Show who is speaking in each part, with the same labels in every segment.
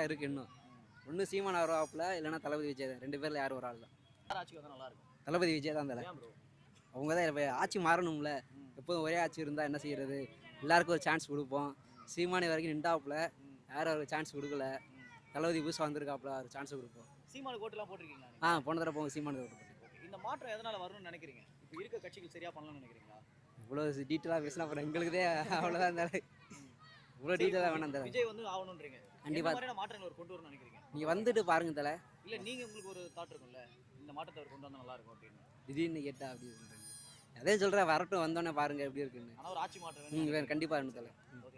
Speaker 1: இருக்குது இன்னும். ஒன்று சீமான் வருவாப்புல, இல்லைன்னா தளபதி விஜய் தான். 2 பேரில் யார் ஒரு ஆள் தான்.
Speaker 2: யார் ஆட்சிக்கு வந்தால் நல்லா இருக்கும்?
Speaker 1: தளபதி விஜய் தான் தலை.
Speaker 2: ஏன் ப்ரோ?
Speaker 1: அவங்க தான் இப்போ ஆட்சி மாறணும்ல. எப்போதும் ஒரே ஆட்சி இருந்தால் என்ன செய்யறது? எல்லாருக்கும் ஒரு சான்ஸ் கொடுப்போம். சீமானி வரைக்கும் நின்றாப்புல, யாரும் அவருக்கு சான்ஸ் கொடுக்கல. தளபதி புதுசாக வந்திருக்காப்புல, அவருக்கு சான்ஸ் கொடுப்போம்.
Speaker 2: சீமானுக்கு ஓட்டுலாம் போட்டிருக்கீங்களா?
Speaker 1: போன தடவை போங்க சீமானுக்கு ஓட்டு போட்டு.
Speaker 2: இந்த மாற்றம் எதனால வரும்னு நினைக்கிறீங்க? இப்போ இருக்க கட்சிகள் சரியா பண்ணலாம்னு நினைக்கிறீங்களா?
Speaker 1: இவ்வளோ டீட்டெயிலாக பேசினா அப்புறம் எங்களுக்குதே அவ்வளோதான் இருந்தாலும் இவ்வளோ டீட்டெயிலாக வேணாம் தலை.
Speaker 2: விஜய் வந்து ஆகணுன்றீங்க.
Speaker 1: கண்டிப்பா.
Speaker 2: என்ன மாதிரியான மாற்றங்கள் அவர் கொண்டு வரணும்னு நினைக்கிறீங்க?
Speaker 1: நீங்கள் வந்துட்டு பாருங்க தலை.
Speaker 2: இல்லை நீங்கள் உங்களுக்கு ஒரு தாட் இருக்கும்ல, இந்த மாற்றத்தை அவர் கொண்டு வந்தால் நல்லா இருக்கும் அப்படின்னு.
Speaker 1: திடீர்னு கேட்டா அப்படி சொல்கிறேன். அதே சொல்கிறேன், வரட்டும் வந்தோடனே பாருங்க எப்படி இருக்குன்னு.
Speaker 2: ஆனால் ஒரு ஆட்சி மாற்றம்
Speaker 1: வேணும், கண்டிப்பாக வேணும் தலை.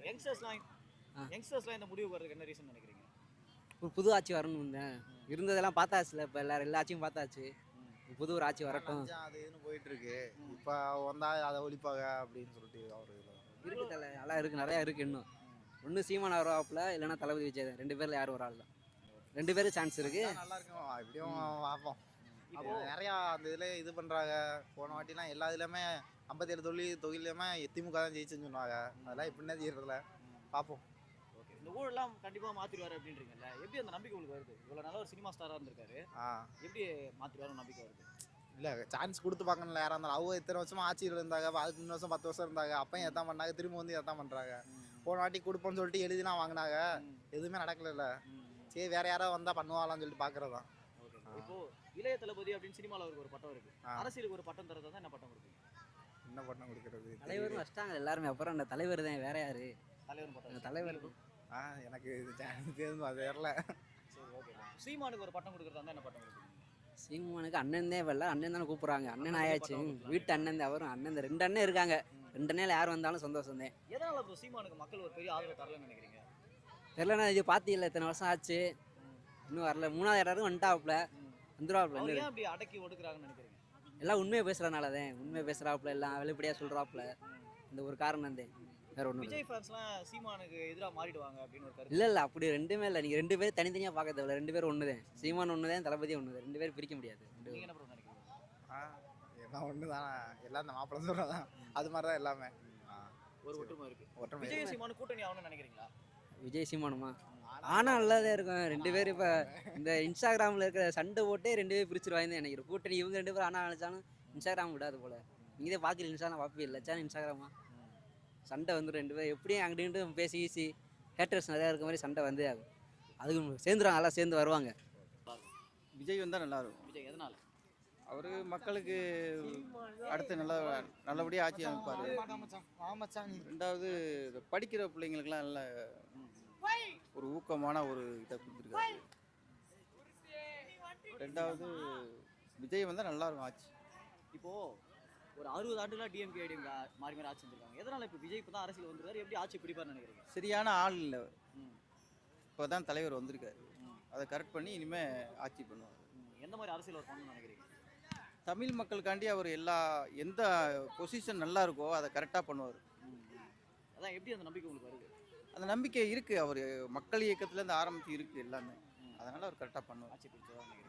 Speaker 2: யங்ஸ்டர்ஸ்லாம் இந்த முடிவு வர்றதுக்கு என்ன ரீசன் நினைக்கிறீங்க?
Speaker 1: ஒரு புது ஆட்சி வரணும் தான். இருந்ததெல்லாம் பார்த்தாச்சுல, இப்போ எல்லா ஆட்சியும் பார்த்தாச்சு. புது ஒரு ஆட்சி வரட்டும்.
Speaker 3: அது இதுன்னு போயிட்டு இருக்கு. இப்போ வந்தா அதை ஒழிப்பாங்க அப்படின்னு சொல்லிட்டு அவர்
Speaker 1: இருக்கு தலை, நல்லா இருக்கு, நிறையா இருக்கு இன்னும். ஒன்று சீமான் வருவாப்புல, இல்லைன்னா தளபதி விஜய் தான். 2 பேரில் யார் ஒரு ஆள் தான். 2 பேரும் சான்ஸ் இருக்கு.
Speaker 3: நல்லா இருக்கும். எப்படியும் பார்ப்போம். இப்போ நிறையா அந்த இதில் இது பண்ணுறாங்க. போன வாட்டிலாம் எல்லா இதுலையுமே 57 தொகுதியிலுமே திமுக தான் ஜெயிச்சுன்னு சொன்னாங்க. அதெல்லாம் எப்படின்னா செய்யறதில்ல, பார்ப்போம்.
Speaker 2: ஓகே, இந்த ஊழலாம் கண்டிப்பாக மாற்றிடுவார் அப்படின்றீங்கல்ல, எப்படி அந்த நம்பிக்கை உங்களுக்கு வருது? இவ்வளோ நல்ல ஒரு சினிமா ஸ்டாராக இருந்திருக்காரு, எப்படி மாற்றிடுவார் நம்பிக்கை வருது?
Speaker 3: இல்லை, சான்ஸ் கொடுத்து பார்க்கணும்ல யாராக இருந்தாலும். அவங்க இத்தனை வருஷமா ஆட்சியில் இருந்தாங்க, அதுக்கு 3 வருஷம் 10 வருஷம் இருந்தாங்க. அப்பயும் எதான் பண்ணாங்க, திரும்ப வந்து எதான் பண்ணுறாங்க. போன வாட்டி கொடுப்போம்னு சொல்லிட்டு எழுதிலாம் வாங்கினாங்க, எதுவுமே நடக்கல. சரி, வேற யாராவது வந்தால் பண்ணுவாங்களான்னு சொல்லிட்டு பார்க்குறது தான்.
Speaker 2: இப்போ இளைய தளபதி அப்படின்னு சினிமாவில் அவருக்கு ஒரு பட்டம் இருக்கு, அரசியலுக்கு ஒரு பட்டம் தரதா என்ன பட்டம் கொடுப்பீங்க?
Speaker 3: என்ன பட்டம் கொடுக்கறது?
Speaker 1: தலைவரும் வச்சிட்டாங்க எல்லாருமே. அப்புறம் அந்த தலைவர் தான், வேற யாரு
Speaker 2: தலைவர் பட்டம்?
Speaker 1: தலைவர்
Speaker 3: எனக்கு அது வரல.
Speaker 2: சரி, ஓகே. சீமானுக்கு ஒரு பட்டம் கொடுக்குறதா என்ன பட்டம் கொடுப்பீங்க?
Speaker 1: சீமானுக்கு அண்ணன் தான் வரல, அண்ணன் தானே கூப்பிட்றாங்க. அண்ணன் ஆயாச்சு, வீட்டு அண்ணன் தான். அவரும் அண்ணன், 2 அண்ணன் இருக்காங்க. 2 அண்ணையில் யார் வந்தாலும் சந்தோஷம் தான்.
Speaker 2: எதனால இப்போ சீமானுக்கு மக்கள் ஒரு பெரிய ஆதரவு தரலன்னு நினைக்கிறீங்க?
Speaker 1: தெரியலண்ணா, இது பார்த்தீங்களா, இத்தனை வருஷம் ஆச்சு, இன்னும் வரல. 3வது இடத்துக்கு வந்துட்டாப்புல, வந்துடுவாப்புல.
Speaker 2: அப்படி அடக்கி ஒடுக்குறாங்கன்னு நினைக்கிறீங்க?
Speaker 1: எல்லாம் உண்மையை பேசுறதுனால தான். உண்மையை பேசுறாப்புல, எல்லாம் வெளிப்படையாக சொல்றாப்புல. இந்த ஒரு காரணம் தான், வேற ஒன்றும்.
Speaker 2: விஜய் ஃபேன்ஸ்லாம் சீமானுக்கு எதிராக மாறிடுவாங்க அப்படின்னு ஒரு கருத்து.
Speaker 1: இல்லை, அப்படி ரெண்டுமே இல்லை. நீங்கள் 2 பேரும் தனித்தனியாக பார்க்க தேவையில்ல. 2 பேரும் ஒன்று தான். சீமான் ஒன்று தான், தளபதி ஒன்று தான். 2 பேரும் பிரிக்க முடியாது.
Speaker 2: நீங்கள் என்ன நினைக்கிறீங்க?
Speaker 3: எல்லாம் ஒன்று தானே, எல்லாம் இந்த மாப்பிள்ளை சொல்கிறதான். அது மாதிரி தான் எல்லாமே.
Speaker 2: ஒரு ஒற்றுமை இருக்கு. விஜய் சீமானு கூட்டணி ஆகணும்னு நினைக்கிறீங்களா?
Speaker 1: விஜய் சீமானுமா? ஆனால் நல்லாதான் இருக்கும். 2 பேரும் இப்போ இந்த இன்ஸ்டாகிராமில் இருக்கிற சண்டை போட்டே 2 பேரும் பிரிச்சிருவாங்கன்னு நினைக்கிறேன். கூட்டணி இவங்க 2 பேரும் ஆனால் நினச்சாலும் இன்ஸ்டாகிராம் விடாது போல். நீங்களே பார்க்கல, இன்ஸ்டாலாம் பார்ப்பே இல்லை, சேனல் இன்ஸ்டாகிராமா சண்டை வந்துடும். 2 பேரும் எப்படியும் அங்கிட்டு பேசி ஈசி ஹேட்டர்ஸ் நிறையா இருக்க மாதிரி சண்டை வந்து ஆகும். அதுக்கு சேர்ந்துருவாங்க, நல்லா சேர்ந்து வருவாங்க.
Speaker 4: விஜய் வந்தால் நல்லாயிருக்கும்.
Speaker 2: விஜய் எதனால?
Speaker 4: அவர் மக்களுக்கு அடுத்து நல்லபடியாக ஆட்சி அமைப்பார். 2வது படிக்கிற பிள்ளைங்களுக்கெல்லாம் நல்ல ஒரு ஊக்கமான ஒரு இதை கொடுத்துருக்காரு. 2வது விஜய் வந்தால் நல்லாயிருக்கும் ஆட்சி.
Speaker 2: இப்போது ஒரு 60 ஆண்டுலாம் டிஎம்கே ஐடிஎம்கே மாறி ஆட்சி செஞ்சுருக்காங்க. எதனால் இப்போ விஜய் இப்போ தான் அரசியல் வந்துருக்காரு, எப்படி ஆட்சி பிடிப்பார்னு நினைக்கிறீங்க?
Speaker 4: சரியான ஆள் இல்லை. இப்போ தான் தலைவர் வந்திருக்காரு, அதை கரெக்ட் பண்ணி இனிமேல் ஆட்சி பண்ணுவார்.
Speaker 2: எந்த மாதிரி அரசியல் அவர் பண்ணணும்னு நினைக்கிறீங்க?
Speaker 4: தமிழ் மக்களுக்காண்டி அவர் எந்த பொசிஷன் நல்லா இருக்கோ அதை கரெக்டாக பண்ணுவார்.
Speaker 2: அதான், எப்படி அந்த நம்பிக்கை உங்களுக்கு வருது?
Speaker 4: அந்த நம்பிக்கை இருக்குது. அவர் மக்கள் இயக்கத்துலேருந்து ஆரம்பித்து இருக்குது எல்லாமே. அதனால் அவர் கரெக்டாக பண்ணுவார்.
Speaker 2: ஆட்சி பிடிச்சதான் நினைக்கிறேன்.